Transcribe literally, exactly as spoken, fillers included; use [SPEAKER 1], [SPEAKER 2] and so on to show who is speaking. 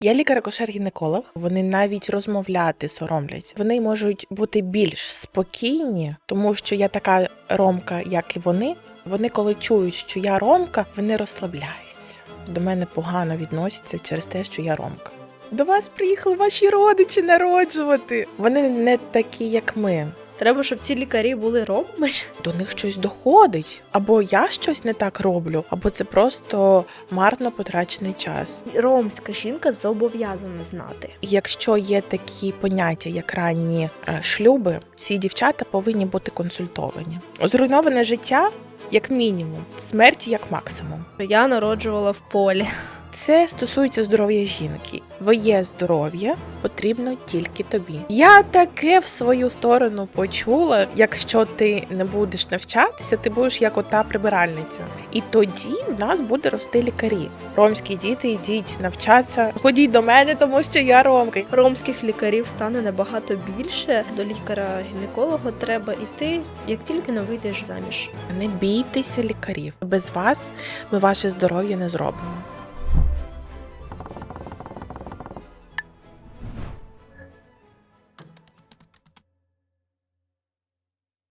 [SPEAKER 1] Я лікар-акушер-гінеколог. Вони навіть розмовляти соромляться. Вони можуть бути більш спокійні, тому що я така ромка, як і вони. Вони, коли чують, що я ромка, вони розслабляються. До мене погано відносяться через те, що я ромка. До вас приїхали ваші родичі народжувати. Вони не такі, як ми.
[SPEAKER 2] Треба, щоб ці лікарі були ромами.
[SPEAKER 1] До них щось доходить. Або я щось не так роблю, або це просто марно потрачений час.
[SPEAKER 2] Ромська жінка зобов'язана знати.
[SPEAKER 1] І якщо є такі поняття, як ранні е, шлюби, ці дівчата повинні бути консультовані. Зруйноване життя, як мінімум, смерть як максимум.
[SPEAKER 2] Я народжувала в полі.
[SPEAKER 1] Це стосується здоров'я жінки. Твоє здоров'я потрібно тільки тобі. Я таке в свою сторону почула, якщо ти не будеш навчатися, ти будеш як ота прибиральниця. І тоді в нас буде рости лікарі. Ромські діти, йдіть навчатися. Ходіть до мене, тому що я ромка.
[SPEAKER 2] Ромських лікарів стане набагато більше. До лікаря-гінеколога треба йти, як тільки не вийдеш заміж.
[SPEAKER 1] Не бійтеся лікарів. Без вас ми ваше здоров'я не зробимо.